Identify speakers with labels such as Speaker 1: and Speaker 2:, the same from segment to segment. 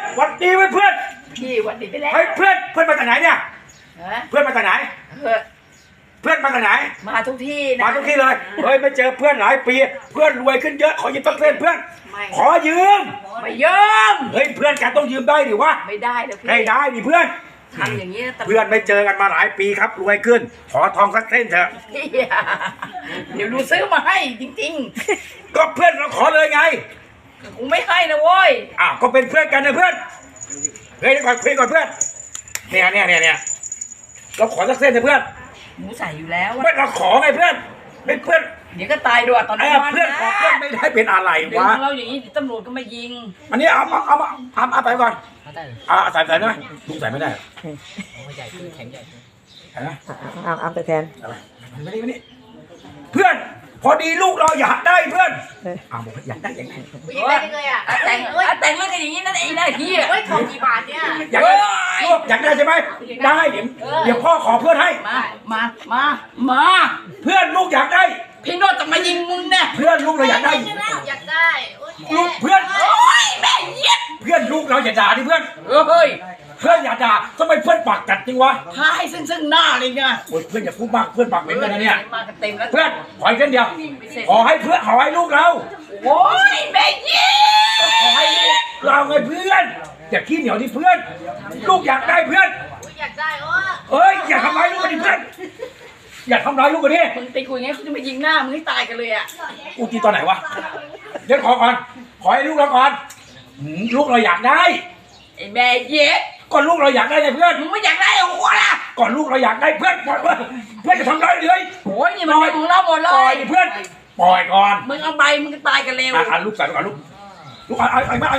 Speaker 1: วัดดีไว้เพื่อน
Speaker 2: พี่วันดีไปแล้ว
Speaker 1: เฮ้ยเพื่อนมาจากไหนเนี่ยเพื่อนมาจากไหนเพื่อนมาจากไหน
Speaker 2: มาทุกที่นะ
Speaker 1: มาทุกที่เลยเฮ้ยไม่เจอเพื่อนหลายปีเพื่อนรวยขึ้นเยอะขอยืมสักเส้นเพื่อนขอยืม
Speaker 2: ไม่ยืม
Speaker 1: เฮ้ยเพื่อนกันต้องยืมได้ดิวะ
Speaker 2: ไม่ได้เลยพี่
Speaker 1: ให้ได้ดิเพื่อน
Speaker 2: ทำอย่างนี้
Speaker 1: เพื่อนไม่เจอกันมาหลายปีครับรวยขึ้นขอทองสักเส้นเถอะ
Speaker 2: เดี๋ยวดูซื้อมาให้จริง
Speaker 1: ๆก็เพื่อนเราขอเลยไง
Speaker 2: กูไม่ให้นะโว้ย
Speaker 1: ก็เป็นเพื่อนกันนะเพื่อนเฮ้ยก่อนคุยก่อนเพื่อนเนี่ยเราขอสักเส้นเถอะเพื่อน
Speaker 2: หมูใส่อยู่แล้ว
Speaker 1: เพื่อนเราขอไงเพื่อนเป็นเพื่อน
Speaker 2: เดี๋ยวก็ตายด้วยตอนนี้
Speaker 1: เพื่อนขอเพื่อนไม่ได้เป็นอะไรวะ
Speaker 2: เราอย่างนี้ตำรวจก็มายิง
Speaker 1: อันนี้เอาไปก่อนใส่ได้ไหมลุงใส่ไม่ได้
Speaker 3: ใหญ่แข็งใหญ่
Speaker 4: เอาแต่แทน
Speaker 1: ไม่ได้เพื่อนพอดีลูกเราอยากได้เพื่อนบอกอยากได้ยังไง
Speaker 2: แต่งเรื่องกันอย่างนี้นั่นเองได้ที่
Speaker 5: เฮ้ยของกี่บาทเนี่ย
Speaker 1: อยากได้ใช่ไหมได้เดี๋ยวพ่อขอเพื่อนให้
Speaker 2: มา
Speaker 1: เพื่อนลูกอยากได้
Speaker 2: พี่โนจะมายิงมึงเนี่ย
Speaker 1: เพื่อนลูกเราอยากได้ลูกเพื่อน
Speaker 2: แม่เย็ด
Speaker 1: เพื่อนลูกเราอย่าด่าดิเพื่อน
Speaker 2: เฮ้ย
Speaker 1: เพื่อนอย่าด่าทำไมเพื่อนปากกัดจริงวะ
Speaker 2: ท้ายซึ่งหน้าเลยไง
Speaker 1: เพื่อนอย่าพูดมากเพื่อนปากเหม็นกันนะเนี่ย
Speaker 2: เ
Speaker 1: พื่อนขออีกเส้นเดียวขอให้เพื่อนขอให้ลูกเรา
Speaker 2: โอ้ยแม่เย็ด
Speaker 1: ขอให้เราไงเพื่อนอย่าขี้เหนียวดิเพื่อนลูกอยากได้เพื่อน
Speaker 5: อยากได้
Speaker 1: อย่าทำร้ายลูกกันดิเพื่อนอย่าทำร้ายลูกกันดิ
Speaker 2: มึงไปคุยไงเขาจะมายิงหน้ามึงให้ตายกันเลยอ่ะ
Speaker 1: กูตีตอนไหนวะเดี๋ยวขอก่อนขอให้ลูกเราก่อนลูกเราอยากได้
Speaker 2: ไอ้แม่เย็ด
Speaker 1: ก่อนลูกเราอยากได้ไงเพื่อน
Speaker 2: มึงไม่อยากได้เอาหัวละ
Speaker 1: ก่อนลูกเราอยากได้เพื่อนจะทำร้ายเลย
Speaker 2: โอ้ยนี่มันเป็นของเราหมดเลย
Speaker 1: ปล่อยเพื่อนปล่อยก่อน
Speaker 2: มึงเอาไปมึงก็ตายกันเร็ว
Speaker 1: ลูกใส่ก่อนลูกเอาไหม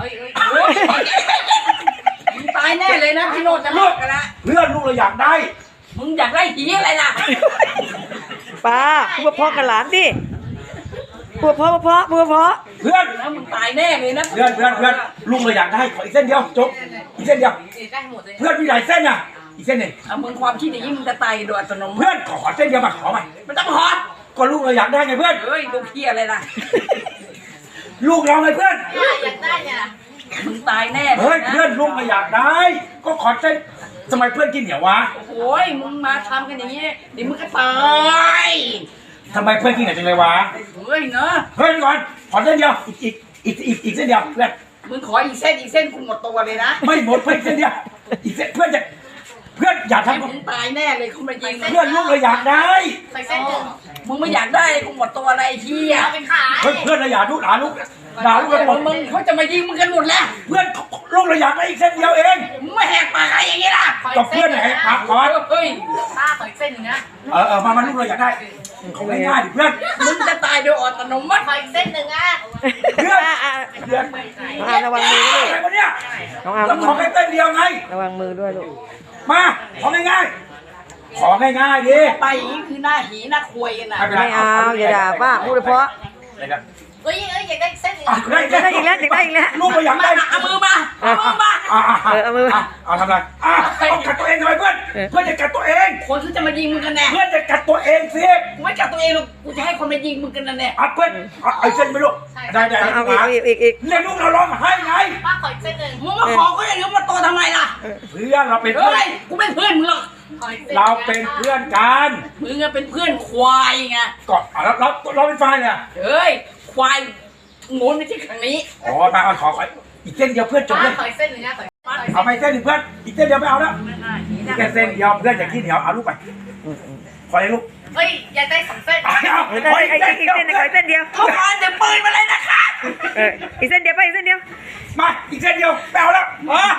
Speaker 2: มึงตายแน่เลยนะพี่โนจะลูกกันละ
Speaker 1: เพื่อนลูกเราอยากได้
Speaker 2: มึงอยากได้หีอะไรล่ะ
Speaker 4: ป้าพูดเพาะกันหลานดิพูดเพาะเ
Speaker 1: พื่อน
Speaker 2: นะมึงตายแน่เลยนะ
Speaker 1: เพื่อนลูกเราอยากได้ขออีกเส้นเดียวจบอีกเส้นเดียวเพื่อนมีหลายเส้นอ่ะอีกเส้นหนึ่ง
Speaker 2: มึงความคิดอย่างนี้มึงจะตายโดยอัตโนมัติ
Speaker 1: เพื่อนขอเส้นเดียวมาขอใหม่
Speaker 2: มันต้องขอ
Speaker 1: ก็ลูกเราอยากได้ไงเพื่อน
Speaker 2: เฮ้ยลูกเพี้ยอะไรล่ะ
Speaker 1: ลูกเราไงเพื่อน
Speaker 5: อยากได้เนี่ย
Speaker 2: มึงตายแน่
Speaker 1: เฮ้ยเพื่อนลูกเราอยากได้ก็ขอเส้นทำไมเพื่อนกินเหนียววะ
Speaker 2: โอ้ยมึงมาทำกันอย่างนี้เดี๋ยวมึงก็ตาย
Speaker 1: ทำไมเพื่อนกินเหนียวจังเลยวะ
Speaker 2: เฮ้ยเนอะ
Speaker 1: เฮ้ยก่อนขอเส้นเดียวอีกเส้นเดียวเพื่อน
Speaker 2: มึงขออีกเส้นกูหมดตัวเลยนะ
Speaker 1: ไม่หมดเพื่อนเส้นเดียวอีกเส้นเพื่อนอย่าทำ
Speaker 2: มึงตายแน่เลยคุณมายิง
Speaker 1: เพื่อนลูกเราอยากได้
Speaker 5: ใส่เส้นหนึ่ง
Speaker 2: มึงไม่อยากได้กูหมดตัวอะไรเฮีย
Speaker 5: เป็นขาย
Speaker 1: เฮ้ยเพื่อนเราอยากลูกด่าลูกกันหมด
Speaker 2: มึงเขาจะมายิงมึงกันหมดแล้ว
Speaker 1: เพื่อนลูกเราอยากได้อีกเส้นเดียวเอง
Speaker 2: มึงไม่แหกปากอะไรอย่างงี้ล่ะ
Speaker 1: กับเพื่อนไหนปากก่อน
Speaker 2: เฮ้ย
Speaker 5: ป้าขออีกเส้นหนึ่งนะ
Speaker 1: มาลูกเราอยากได้เขาง่ายๆดิเพื่อน
Speaker 2: มึงจะตายโดยอัตโนมัติ
Speaker 5: ขออีกเส้นหนึ่งอ่ะ
Speaker 1: เพื่อน
Speaker 4: ระวังมือด้วย
Speaker 1: อะไรวะเนี่ยเราขอแค่เส้นเดียวไง
Speaker 4: ระวังมือด้วยลูก
Speaker 1: มาของ่ายๆดิ
Speaker 2: ไปอย่างนี้คือหน้าหีหน้าควยกันนะ
Speaker 4: ไม่เอาอย่าด่าป้าพูดเพราะ
Speaker 5: เฮ้ยอยากได้เส้นอีก
Speaker 4: ได้อีกแล้ว
Speaker 1: ลูกเราอยากได้
Speaker 2: เอามือมา
Speaker 4: เอามือ
Speaker 1: เอาทำไรต้องกัดตัวเองทำไมเพื่อนจะกัดตัวเอง
Speaker 2: คนที่จะมายิงมึงกันแน่
Speaker 1: เพื่อนจะกัดตัวเองสิ
Speaker 2: กูไม่กัดตัวเองหรอกกูจะให้คนมายิงมึงกันแน่
Speaker 1: เพื่อนไอ้เส้นไม่รู้ได้
Speaker 4: เอาอีก
Speaker 1: เรียกลูกเราร้องให้ไง
Speaker 5: ป้าขออีกเส้นหนึ่ง
Speaker 2: มึงมาขอเขาอย่างนี้มาโตทำไมล่ะ
Speaker 1: เพื่อนเราเป็นเพื่อน
Speaker 2: กูเป็นเพื่อนมึงหรอก
Speaker 1: เราเป็นเพื่อนกัน
Speaker 2: มึงเป็นเพื่อนควายไง
Speaker 1: ก็เราเป็นฝ่ายเนี่ย
Speaker 2: เฮ้ยควายงูไม่ใช่ครั้งนี้
Speaker 1: มาขออีกเส้นเดียวเพื่อนจบเลย
Speaker 5: ขออีกเส้นหนึ่งนะ
Speaker 1: เอาไปเส้นหนึ่งเพื่อนอีกเส้นเดียวไม่เอาแล้วแค่เส้นเดียวเพื่อนอย่าขี้เหนียวเอาลูกไปขอเลยลูก
Speaker 5: เฮ้ยอยากได้สองเส้น
Speaker 4: อีกเส้นเดียว
Speaker 2: เขามาจะปืนมาเลยนะคะ
Speaker 4: อีกเส้นเดียวไปอีกเส้นเดียว
Speaker 1: มาอีกเส้นเดียวไม่เอาแล้ว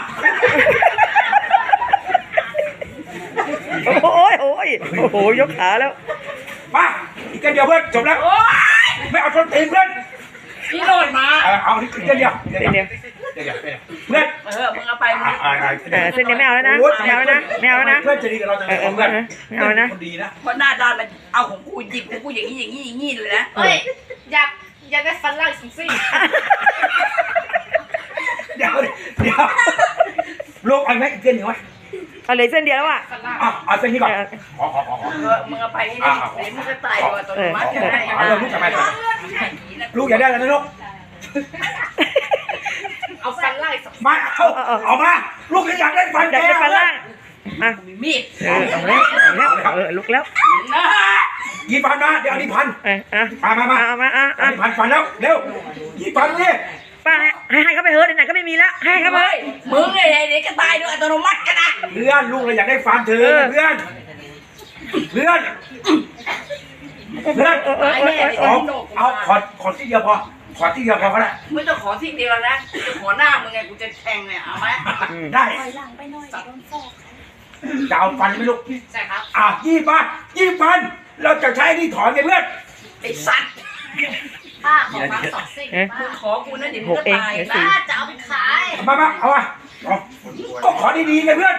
Speaker 4: โอ้ยยกขาแล้ว
Speaker 1: มาอีกเส้นเดียวเพื่อนจบแล้วไม่เอาต้นตีนเพื่อน
Speaker 2: พี่โนดมา
Speaker 1: เอาอีกเส้นเดียวเพื่อน
Speaker 2: มึงเอาไป
Speaker 4: เส้นเดียวไม่เอาแล้วนะไม่เอาแล้วนะ
Speaker 1: เพื่อนจะดีกับเราจะเพื่อน
Speaker 4: ไม่เอานะ
Speaker 1: คนดีนะ
Speaker 2: เพราะหน้าด้านมันเอาของกูหยิบของกูอย่างนี้เลยนะ
Speaker 5: เฮ้ยอยากได้ฟันล่างสิ
Speaker 1: เดี๋ยวลูกเอาไหมอีกเส้นหนึ่งไหม
Speaker 4: เอาเลยเส้นเดียวแล้วอ่ะ
Speaker 1: เอาเส้นนี้ก่อน
Speaker 2: มึงเอาไปให้ได้เดี๋ยวมึงจะตายโดยอัตโนมัติ
Speaker 1: ลูกทำไมลูกอย่าได้แล้วนะลูก
Speaker 5: เอาฟันล่าง
Speaker 1: มาเอามาลูกอยากได้ฟัน
Speaker 4: อยากได้ฟันล่างอ่ะ
Speaker 2: มีมีด
Speaker 4: ลุกแล้ว
Speaker 2: นะ
Speaker 1: กี่ฟันนะเดี๋ยวนี้พัน
Speaker 4: อ่ะ
Speaker 1: มา
Speaker 4: อ่ะ
Speaker 1: พันฟันแล้วเร็วกี่ฟันนี่
Speaker 4: ป้าให้เขาไปเฮิร์ตไหนก็ไม่มีแล้วให้เขาไป
Speaker 2: เฮ้ยมึงเนี่ยเด็กก็ตายด้วยอัตโนมัติกันนะ
Speaker 1: เพื่อนลูกเราอยากได้ฟันเธอเพื่อนเอาขอที่เดียวพอขอที่เดียวพอก็ได้
Speaker 2: ไม่ต้องขอที่เดียวนะกูจะขอหน้ามึงไงกูจะแทงเนี่ยเอาไหม
Speaker 1: ได้
Speaker 5: ถอยหลังไปหน่อยโดนฟอก
Speaker 1: จะเอาฟันไหมลูก
Speaker 5: ใช่ครับ
Speaker 1: ยี่ฟันเราจะใช้นี่ถอนไงเพื่อน
Speaker 2: ไอ้สัตว์
Speaker 5: ป้าขอฟัน2ซี่ป้า
Speaker 2: มึงขอกูนะเดี๋ยวมึงก็ตาย
Speaker 5: ป้าจะเอาไปขาย
Speaker 1: มาเอาก็ขอดีๆไงเพื่อน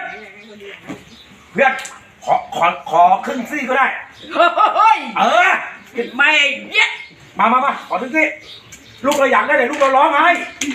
Speaker 1: ขอครึ่งซี่ก็ได้
Speaker 2: เฮ้ย ไม่เย็ด
Speaker 1: มาขอครึ่งซี่ลูกเราอยากได้เลยลูกเราร้องไห้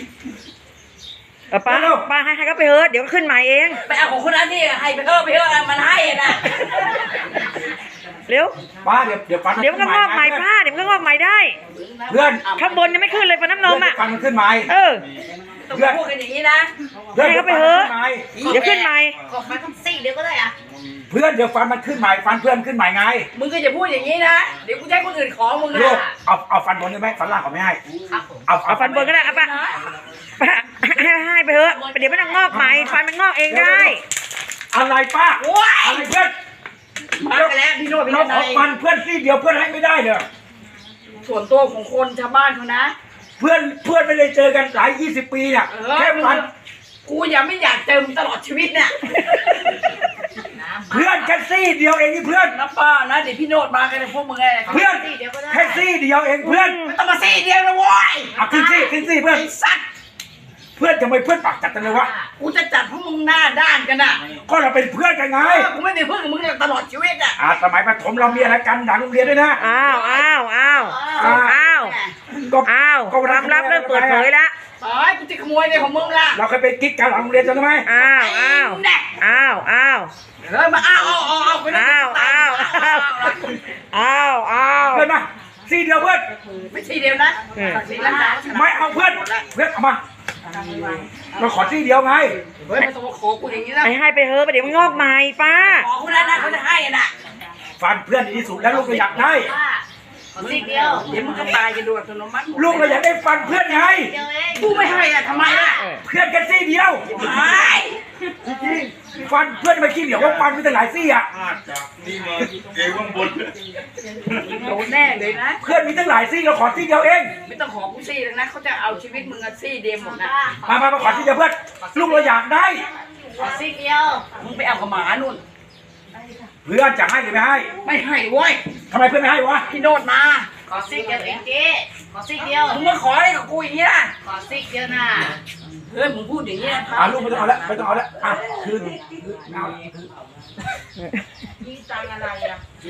Speaker 4: ป้าให้เขาไปเฮิร์ตเดี๋ยวขึ้นใหม่เอง
Speaker 2: ไปเอาของคนนั้นที่ให้ไปเถอะมันให้นะ
Speaker 4: เร็ว
Speaker 1: ป้าเดี๋ยวฟัน
Speaker 4: เดี๋ยวมันก็งอกใหม่ป้าเดี๋ยวมันก็งอกใหม่ได้
Speaker 1: เพื่อน
Speaker 4: ข้างบนยังไม่ขึ้นเลยฟันน้ำนมอ่ะ
Speaker 1: ฟันมันขึ้นใหม่
Speaker 2: ต้องพูดกันอย่างนี้นะ
Speaker 1: เดี๋ยวขึ้นใหม่
Speaker 4: เดี๋ยวขึ้นใหม่
Speaker 5: ขอฟันทั้งซี่เดียวก็ได้อะ
Speaker 1: เพื่อนเดี๋ยวฟันมันขึ้นใหม่ฟันเพื่อนขึ้นใหม่ไง
Speaker 2: มึงก็จะพูดอย่างนี้นะเดี๋ยวกูจะให้คนอื่นขอมึง
Speaker 1: ลูก
Speaker 2: นะ
Speaker 1: เอาฟันบนได้ไหมฟันล่างเขาไม่ให้
Speaker 5: ครับผม
Speaker 4: เอาฟันบนก็ได้ป้าให้ไปเฮิร์ตเดี๋ยวไม่ต้องงอกใหม่ฟันมันงอกเองได้
Speaker 1: อะไรป้า
Speaker 2: โอ้ย
Speaker 1: อะไรเพื่อน
Speaker 2: มากันแล้วพี่โน้ตพี่
Speaker 1: เรา
Speaker 2: โน้ต
Speaker 1: ขอฟันเพื่อนซี่เดียวเพื่อนให้ไม่ได้เลย
Speaker 2: ส่วนตัวของคนชาวบ้านเขานะ
Speaker 1: เพื่อนไม่ได้เจอกันหลาย20 ปีเนี่ยแค่ฟัน
Speaker 2: กูยังไม่อยากเจอมึงตลอดชีวิตเนี่ย
Speaker 1: เพื่อนแค่ซี่เดียวเองนี่เพื่อน
Speaker 2: นะป้านะเดี๋ยวพี่โน้ตมากันเลยพวกมึงไง
Speaker 1: เพื่อน
Speaker 5: ซี่เดียวก็ได้
Speaker 1: แค่ซี่เดียวเองเพื่อน
Speaker 2: ไม่ต้องมาซี่เดียวนะโว้ย
Speaker 1: เอาขึ้นซี่เพื่อน
Speaker 2: ไอ้สัตว์
Speaker 1: เพื่อนทำไมเพื่อนปากจัดจังเลยวะ
Speaker 2: กูจะจัดพวกมึงหน้าด้านกันอ่ะ
Speaker 1: ก็เราเป็นเพื่อนกันไง
Speaker 2: กูไม่ได้เพื่อนกับมึงตลอดชีวิตอ่ะ
Speaker 1: สมัยประถมเรามีอะไรกันหลังโรงเรียนด้วยนะ
Speaker 4: อ้าวความลับเริ่มเปิดเผยแล้ว
Speaker 2: ตายกูจะขโมยเลยของมึงล่ะ
Speaker 1: เราเคยไปกิ๊กกันหลังโรงเรียนจำได้ไหม
Speaker 2: แน่เฮ้ยมาเอาไปนะ
Speaker 1: เพื่อนมาซี่เดียวเพื่อน
Speaker 2: ไม่ใช่เดียวนะสีน้ำตาล
Speaker 1: ไม่เอาเพื่อนเอามาเราขอซี่เดียวไง
Speaker 2: เฮ้ยไม่ต้องมาขอกูอย่างนี้นะ
Speaker 4: ให้ไปเฮิร์ตเดี๋ยวมันงอกใหม่ป้า
Speaker 2: ขอคนนั้นนะเขาจะให้น่ะ
Speaker 1: ฟันเพื่อนดีที่สุดแล้วลูกเราอยากได้
Speaker 5: ป้าขอซี่เดียว
Speaker 2: เดี๋ยวมึงก็ตายกันดูอัตโนมัติ
Speaker 1: ลูกเราอยากได้ฟันเพื่อนไง
Speaker 5: เดียวเอง
Speaker 2: กูไม่ให้อ่ะทำไมล่ะ
Speaker 1: เพื่อนกันซี่เดียว
Speaker 2: ไม่
Speaker 1: ฟันเพื่อนไม่ขี้เหนียวว่าฟันมีแต่หลายซี่อ่ะ
Speaker 6: นี่มาเกข้างบน
Speaker 2: โดนแน่เลยนะ
Speaker 1: เพื่อนมีตั้งหลายซี่เราขอซี่เดียวเอง
Speaker 2: ไม่ต้องขอกูซี่เลยนะเขาจะเอาชีวิตมึงอะซี่เดียวหมดนะ
Speaker 1: มาขอซี่เดียวเพื่อนลูกเราอยากได้
Speaker 5: ขอซี่เดียว
Speaker 2: มึงไปเอากับหมานู่น
Speaker 1: เพื่อนจะให้หรือไม่ให้
Speaker 2: ไม่ให้เว้ย
Speaker 1: ทำไมเพื่อนไม่ให้วะ
Speaker 2: พี่โนดมา
Speaker 5: ขอซี่เดียวเองเจ๊ขอซี่เดียว
Speaker 2: มึงมาขออะไรกับกูอย่างนี้ล่ะ
Speaker 5: ขอซี่เดียวนะ
Speaker 2: เฮ้ยมึงพูดอย่างนี้นะ
Speaker 1: ลูกไม่ต้องเอาแล้วคืน
Speaker 2: ยี่ตังอะไรอ่ะ